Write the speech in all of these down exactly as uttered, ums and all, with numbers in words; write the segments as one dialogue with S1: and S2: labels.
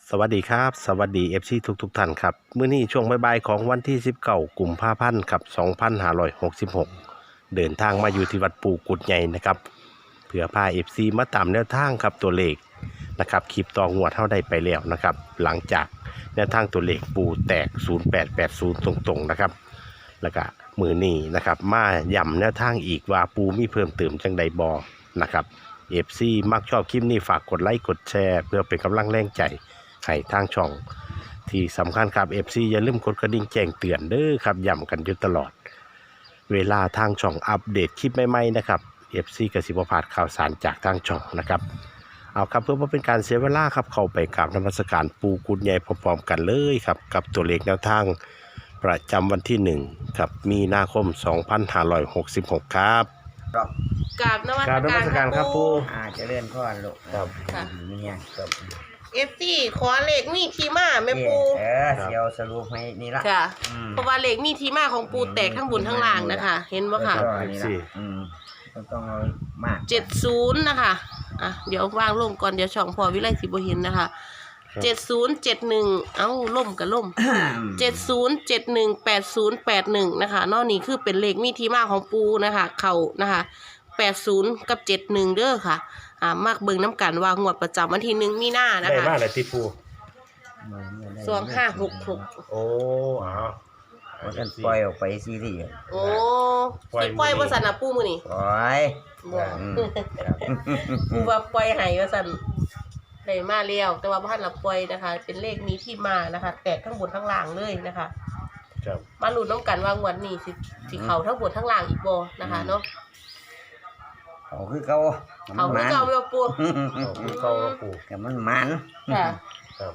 S1: สวัสดีครับสวัสดี เอฟ ซี ทุกทุกท่านครับมื้อนี้ช่วงบ่ายๆของวันที่สิบเก้ากุมภาพันธ์ครับสองพันห้าร้อยหกสิบหกเดินทางมาอยู่ที่วัดปู่กุดใหญ่นะครับเพื่อพา เอฟ ซี มาตามแนวทางครับตัวเลขนะครับคลิปต่องวดเท่าได้ไปแล้วนะครับหลังจากแนวทางตัวเลขปู่แตกศูนย์แปดแปดศูนย์ตรงๆนะครับแล้วก็มื้อนี้นะครับมาย้ำแนวทางอีกว่าปู่มีเพิ่มเติมจังใดบ่นะครับ เอฟ ซี มักชอบคลิปนี้ฝากกดไลค์กดแชร์เพื่อเป็นกำลังแรงใจให้ทางช่องที่สำคัญครับ เอฟ ซี อย่าลืมกดกระดิ่งแจ้งเตือนเด้อครับย้ำกันอยู่ตลอดเวลาทางช่องอัปเดตคลิปใหม่ๆนะครับ เอฟ ซี กสิบพลาดข่าวสารจากทางช่องนะครับเอาครับเพื่อไม่เป็นการเสียเวลาครับเข้าไปกราบนมัสการปู่กุดใหญ่พร้อมๆกันเลยครับกับตัวเลขแนวทางประจำวันที่หนึ่งครับมีนาคมสองพันห้าร้อยหกสิบหกครับ
S2: ครับ
S3: กราบนมัส
S1: กราบนมัสการครับปู่
S2: อ่าเจะเลื่อนข้อนลูก
S1: ครับ
S2: ค่ะเนี่ยครับ
S3: เอฟซีขอเลขมีที่มาแม่ปู
S2: เออเดี๋ยวสรุปให้นี่ละ
S3: ค่ะ
S2: อืม
S3: เพราะว่าเลขมีที่มาของปูแตกทั้งบนทั้งล่างนะคะ เห็นบ่ค่ะ
S2: แล้วก็นี่ละอืมต้องต้องเอามาก
S3: เจ็ดศูนย์นะคะอ่ะเดี๋ยววางลงก่อนเดี๋ยวช่องพอวิไลสิบ่เห็นนะคะเจ็ดศูนย์เจ็ดหนึ่งเอ้าล่มกับล่มเจ็ดศูนย์เจ็ดหนึ่งแปดศูนย์แปดหนึ่งนะคะนอกนี้คือเป็นเลขมีที่มาของปูนะคะ เข่านะคะแปดศูนย์กับเจ็ดหนึ่งเด้อค่ะอ่ามากเบิ่งน้ำกันว่างวดประจำวันที่หนึ่งมีนานะ
S1: ได้
S3: คะ
S1: มากเลยที่ปู่
S3: สองห้าหกหก
S1: โอ้อ้าว
S2: ว่ากันปล่อยออกไปซีรีส์
S3: โอ้สิปล่อยว่าสันนะปูมือนี่
S2: ปล่อย
S3: บ่
S2: อืม
S3: ปูว่าปล่อยให้ว่าสันได้มาแล้วแต่ว่าบ้านเราปล่อยนะคะ เป็นเลขมีที่มานะคะ แตกทั้งบนทั้งล่างเลยนะคะ
S1: ครับ
S3: มาลุ้นน้ำกันว่างวดนี้สิสิเขาทั้งบนทั้งล่างอีกบ่นะคะเนาะ
S2: เขาคือเขา
S3: เขา
S2: มั
S3: คื
S2: น
S3: อเก่าเวลปู
S1: เอาคือเข้าแล้วปู่
S2: กับมันมัน
S3: ค่ะ
S1: ครับ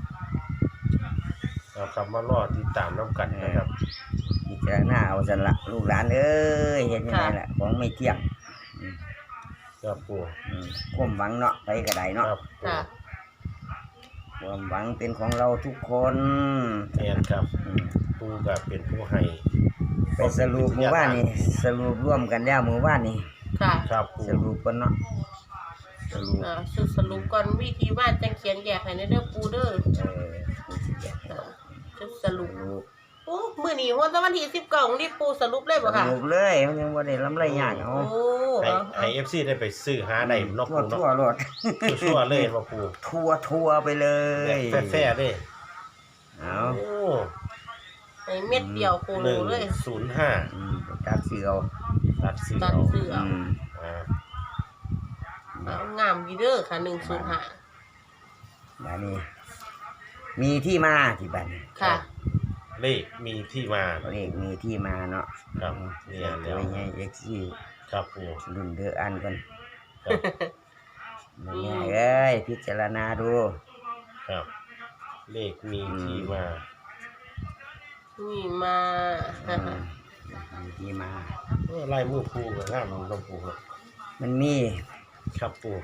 S1: เอาครับมารอติดตามน้ำกันนะครับ
S2: พิจารณาเอาสันละลูกหลานเอ้ยเห็นยังไงล่ะของไม่เที่ยงอืม
S1: ครับปู่
S2: อืมความหวังเนาะไปกระไดเนาะ
S1: ครับปู่
S3: ค่ะ
S2: ความหวังเป็นของเราทุกคน
S1: แทนครับ
S2: อืม
S1: ปู่ก็เป็นผู้ให้
S2: ไปสรุปหมู่บ้านนี่สรุปร่วมกันแล้วหมู่บ้านนี่
S3: ค่ะ
S1: ครับปู่
S2: สรุปกันเนาะสรุป
S3: อ่าสุดสรุปก่อนวิธีว่าจังเขียนแยกให้ในเด้อปูเด้อ
S2: เออผู้สิแยก
S3: อ่าชุดส
S2: ส
S3: รุป
S2: รุป
S3: โอ้มื้อนี้วันตะวันที่สิบเก้ารีบปูสรุปเลย
S2: ส
S3: บ่ค่ะ
S2: รุปเลยมันยังบ่ได้ลำไรยากเอา
S3: โอ้
S1: ให้
S3: เอา
S1: ให้เอฟซีได้ไปซื้อหาได้เนอก
S2: ทั่ว
S1: ปู่เนาะ
S2: ทั่วรถ
S1: ชั่วๆเลยว่าปู่
S2: ทั่วทั่วไปเลย
S1: แบบแฟ่ๆเลย
S2: เอา
S1: โอ้
S3: ให้เม็ดเดียวโค
S1: ห
S3: โล
S1: นึ่ง
S3: เลย
S1: ศูนย์ห้า
S2: อืมไปตัดเสือเอา
S1: ตัดซื้อ
S3: ตัด
S1: เอา
S3: ซื้อเอา
S2: อืม
S1: อ่า
S3: เอางามดีเด้อค่ะหนึ่งศูนย์ห้า
S2: อันนี้มีที่มาที่บ้าน
S3: ค่ะ
S1: เลขมีที่มา
S2: เลขมีที่มาเนาะ
S1: ครับเนี่
S2: เนี่ย ย
S1: แล้
S2: ตัว วใหญ่เอ็กซี่
S1: ครับปู่
S2: รุ่นเดืออันกัน
S1: ครับ
S2: ง่ายๆเอ้ยพิจารณาดู
S1: ครับ เลขมีที่มา
S3: นี่มา
S2: อืมมีที่มา
S1: เออไล่มือปู่กับงามลงปู่ครับ
S2: มันมี
S1: ครับปู่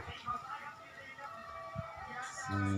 S2: สี่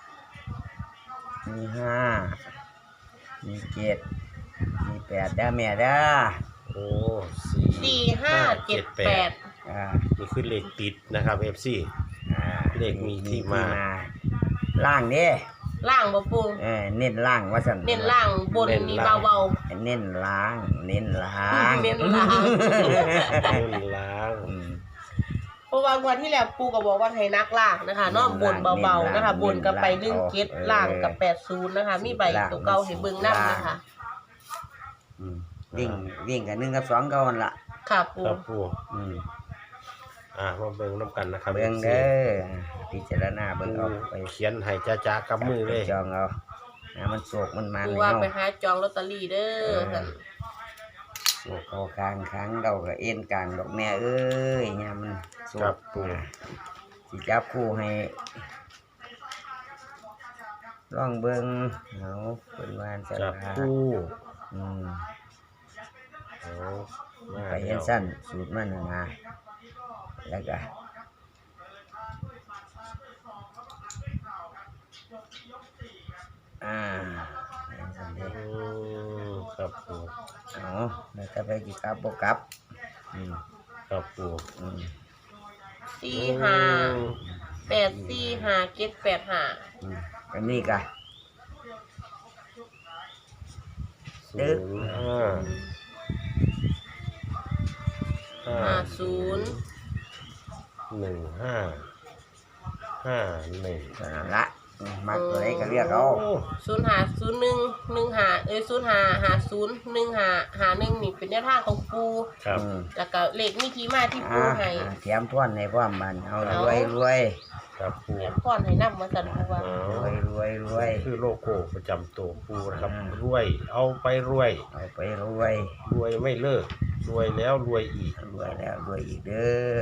S2: มีห้ามีเจ็ดมีแปดได้แม่ได้
S1: โอ้สี่
S3: สี่ห้าเจ็ดแปด
S2: อ่า
S1: นี่คือเลขติดนะครับเอฟซี
S2: อ่า
S1: เลขมีที่มา
S2: ล่างเด้
S3: ล่างบ่ปู
S2: เออเน้นล่างว่าสัน
S3: เน้นล่างบนนี่เบา
S2: เน้นล่าง เน้นล่าง
S3: ๆเน้นล่าง
S1: เงินล้าง
S2: อืม
S3: เพราะว่าวันที่แล้วปูก็บอกว่าให้นักล่างนะคะเนาะบนเบาๆนะคะบนก็ไปหนึ่งเจ็ดล่างกับแปดศูนย์นะคะ มีใบตัวเก่าให้เบิ่งนำนะคะ
S2: อืมวิ่งวิ่งกันหนึ่งกับสองเก่าหั่นละ
S3: ค่ะปู
S1: ครับปู่
S2: อืม
S1: อ่ามาเบิ่งน้ำกันนะครับ
S2: เบิ่ง
S1: เอฟซี
S2: เด้อพิจารณาเบิ่งเอาไป
S1: เขียนให้จ้าๆกับมือเลย
S2: จองเอานะมันโศกมันมัน
S3: ปู
S2: เลย
S3: ว่า
S2: เนาะ
S3: ไปหาจองลอตเตอรี่เด้อค่ะ
S2: โศกเอาคางค้างเราก็เอ็นกลางดอกแม่เอ้ยเนี่ยมันโศ
S1: ครั
S2: ก
S1: บปู่
S2: สิจับคู่ให้ลองเบิ่งเอาเป็นวานส
S1: จับ
S2: ลา
S1: คู่
S2: อืม
S1: เอามา
S2: ไปเห็
S1: แล้
S2: น
S1: ว
S2: สั้นสูตรมันน่ะนะแล้วก็อ่าเห็นสั้นเด้
S1: อืมครับปู่
S2: เอาแล้วก็ไปกี่กลับบ่กลับอืม
S1: ครับปู่
S2: อืม
S3: สี่ห้าแปดสี่ห้าเจ็ดแปดห้า
S2: อืมไปอันนี้ก็
S1: ศูนย์ห้าห้า
S3: ห้าศูนย์
S1: หนึ่งห้าห้าหนึ่ง
S2: เท่านั้นละมักตัวไหนก็เรียกเอา
S3: ศูนย์หาศูนย์หนึ่งหนึ่งหาเอ้ยศูนย์หาหาศูนย์หนึ่งหาหาหนึ่งนี่เป็นแนวทางของปู
S1: ครับ
S2: อืม
S3: แล้วก็เลขมีที่มาที่ปู
S2: อ่า
S3: ให้
S2: เตรียมทวนในพร้อมมันเอา
S3: เอา
S2: รวยรวย
S1: ครับปู
S3: เรียนพรให้นำมาสั่นปูว่า
S1: อ๋อ
S2: รวยรวยรวย
S1: คือโลโก้ประจำตัวปูนะครับ
S2: อ่า
S1: รวยเอาไปรวย
S2: เอาไปรวย
S1: รวยไม่เลิกรวยแล้วรวยอีก
S2: รวยแล้วรวยอีกเด้อ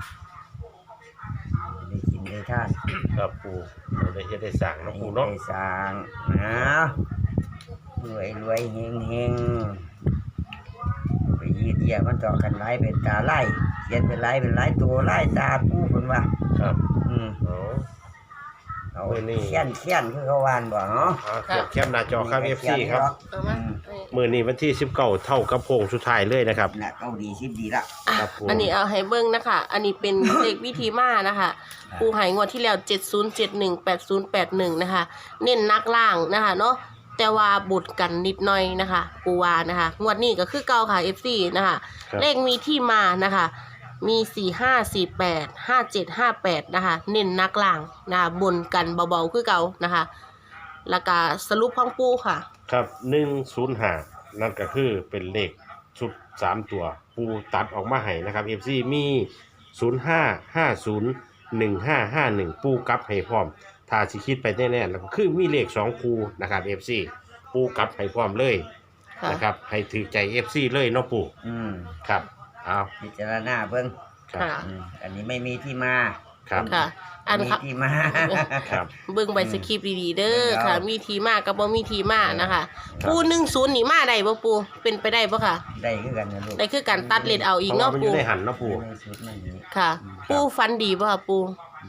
S2: ได้กินได้ทาน
S1: ครับปูเราได้เฮ็ดได้สั่งนะปูเนาะ
S2: ได้สร้างนะรวยรวยเฮงเฮงไปยีดเยียมันต่อกันไล่เป็นตาไล่เขียนเป็นไล่เป็นไล่ตัวไล่ตาผู้คนว่า
S1: ครับ
S2: อืม
S1: อ๋อ
S2: เอา
S1: เว้ยนี่
S2: เขียนเขียนคือเขาวานบ่เนาะ
S1: อ่าเก็บแคปหน้าจอครับ เอฟ ซี ครับ
S3: เอามาเอ้ย
S1: มือนี้วันที่สิบเก้าเท่ากับโพงสุดท้ายเลยนะครับ
S2: น่ะเกาดีชิบดีละ
S3: อ่ะ
S1: ครับผม
S3: อันนี้เอาให้เบิ่งนะคะ อันนี้เป็น เลขวิธีมานะคะปูใหายงวดที่แล้วเจ็ดศูนย์เจ็ดหนึ่งแปดศูนย์แปดหนึ่งนะคะ เน้นนักล่างนะคะเนาะแต่ว่าบุดกันนิดหน่อยนะคะ ปูวานะคะ งวดนี้ก็คือเก่าค่ะ เอฟ ซี นะคะ
S1: ครับ
S3: เลขมีที่มานะคะ มีสี่ห้าสี่แปดห้าเจ็ดห้าแปดนะคะ เน้นนักล่างนะคะบนกันเบาๆคือเก่านะคะ แล้วก็สรุปของปูค่ะ
S1: ครับหนึ่งศูนย์ห้านั่นก็คือเป็นเลขชุดสามตัว ปูตัดออกมาให้นะครับ เอฟ ซี มีศูนย์ห้าห้าศูนย์หนึ่งห้าห้าหนึ่งปูกลับให้พร้อม ถ้าสิคิดไปแน่ๆแล้วก็คือมีเลขสองคูนะครับ เอฟ ซี ปูกลับให้พร้อมเลย
S3: ค่ะ
S1: นะครับให้ถือใจ เอฟ ซี เลยเนาะปู
S2: อืม
S1: ครับเอา
S2: พิจารณาเบิ่ง
S1: ครับ
S3: ค่ะ
S2: อืมอันนี้ไม่มีที่มา
S1: ครับ
S3: ค่ะ อัน
S2: มี
S3: ค่ะ
S2: ที่มา
S1: ครับ
S3: เบิ่งใบสคริปต์ดีๆเด้อ
S2: เอา
S3: ค่ะ มีทีมากับบ่มีทีมานะคะ
S1: ครับ
S3: ปูหนึ่งศูนย์นี่มาได้บ่ปูเป็นไปได้บ่ค่ะ
S2: ได้คือกันนะลูก
S3: ได้คือการตัดเลนเอาอีก
S1: เพราะ
S3: เนาะ
S1: ว่ามันอ
S3: ปู
S1: ยู่ในหันเนาะปู
S2: ในสุดมันนี่
S3: ค่ะ ปูฟันดีบ่ค่ะปู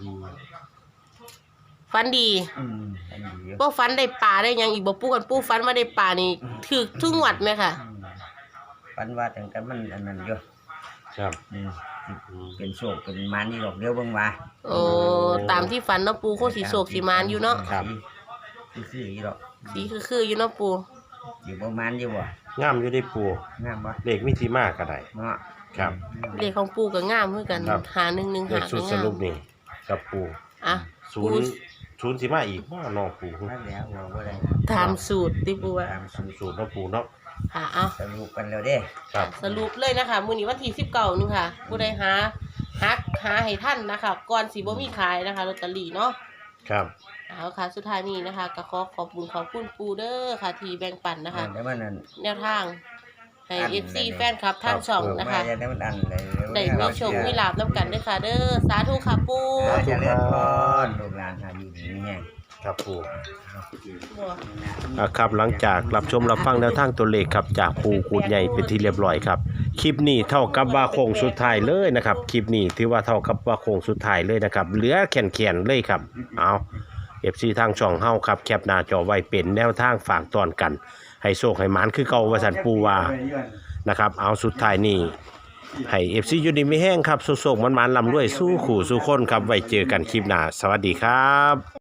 S3: ฟันดี
S2: อืมอันนี้อยู่
S3: บ่ฟันได้ปลาได้หยังอีกบ่ปูกันปูฟันมาได้ปลานี่ถูกทุกงวดไหมค่ะ
S2: อืมปันว่าแต่งกันมันอันนั้นอยู่
S1: ครับ
S2: อืมเป็นโชคเป็นมันนี่หรอกเดี๋ยวเบิ่งว่า
S3: โอ้ตามที่ฟันเนาะปูโคตรสีโศกสีมานอยู่เนาะ
S1: ครับ
S2: คือคืออยู่หรอก
S3: สีคือๆอยู่เนาะปู
S2: อยู่ประมาณอยู่บ่
S1: งามอยู่ได้ปู
S2: งามบ่
S1: เลขมิติมากก็ได้
S2: เนาะ
S1: ครับ
S3: เลขของปูก็งามเหมือนกัน
S1: ครับ
S3: หาหนึ่งหนึ่ง
S1: เล
S3: หา
S1: ขชุ
S3: ก็
S1: ดส
S3: งาม
S1: รุปนี่กับปู
S3: อ่ะ
S1: ศู
S3: ปู
S1: นย์ศูนย์สิมาอีกว่าน้องปู
S2: มาแล้วเราบ่ได้
S3: ตามสูตรที่ปูว่า
S2: ตามสูตร
S1: สูตรเนาะปูเนาะ
S3: ค่ะเอา
S2: สรุปกันแล้วเด้
S1: ครับ
S3: สรุปเลยนะคะ มื้อนี้วันที่สิบเก้านึงค่ะ ผู้ใดหาหาหาให้ท่านนะคะ ก่อนสิบ่มีขายนะคะลอตเตอรี่เนาะ
S1: ครับ
S3: เอาค่ะ สุดท้ายนี้นะคะก็ขอขอบคุณขอบคุณปูเด้อค่ะ ที่แบ่งปันนะคะ
S2: เดี๋ยวมันนั่น
S3: แนวทางให้
S2: อัน
S3: เอฟซี
S2: เลย
S3: แฟนคลับทางช่องนะคะ
S2: มาจะได้มันอันเลย
S3: ได้มีโชคมีลาบน้ำกันเด้อค่ะ เด้อสาธุค่ะปู
S2: เราจะเล่นพรลูกหลานหาอยู่ดีมีแห้ง
S1: ครับปู
S3: บัว
S1: อ่ะครับหลังจากรับชมรับฟังแนวทางตัวเลขครับจากปูกูดใหญ่เป็นที่เรียบร้อยครับคลิปนี้เท่ากับว่าโค้งสุดท้ายเลยนะครับคลิปนี้ถือว่าเท่ากับว่าโค้งสุดท้ายเลยนะครับเหลือแขนๆเลยครับเอา เอฟ ซี ทางช่องเฮาครับแคปหน้าจอไว้เป็นแนวทางฝากตอนกัน ให้โชคให้หมานคือเก่าว่าสันปูว่านะครับเอาสุดท้ายนี้ให้ เอฟ ซี อยู่ดีไม่แห้งครับสุขๆมันๆลำรวยสู้ขู่สู้คนครับไว้เจอกันคลิปหน้าสวัสดีครับ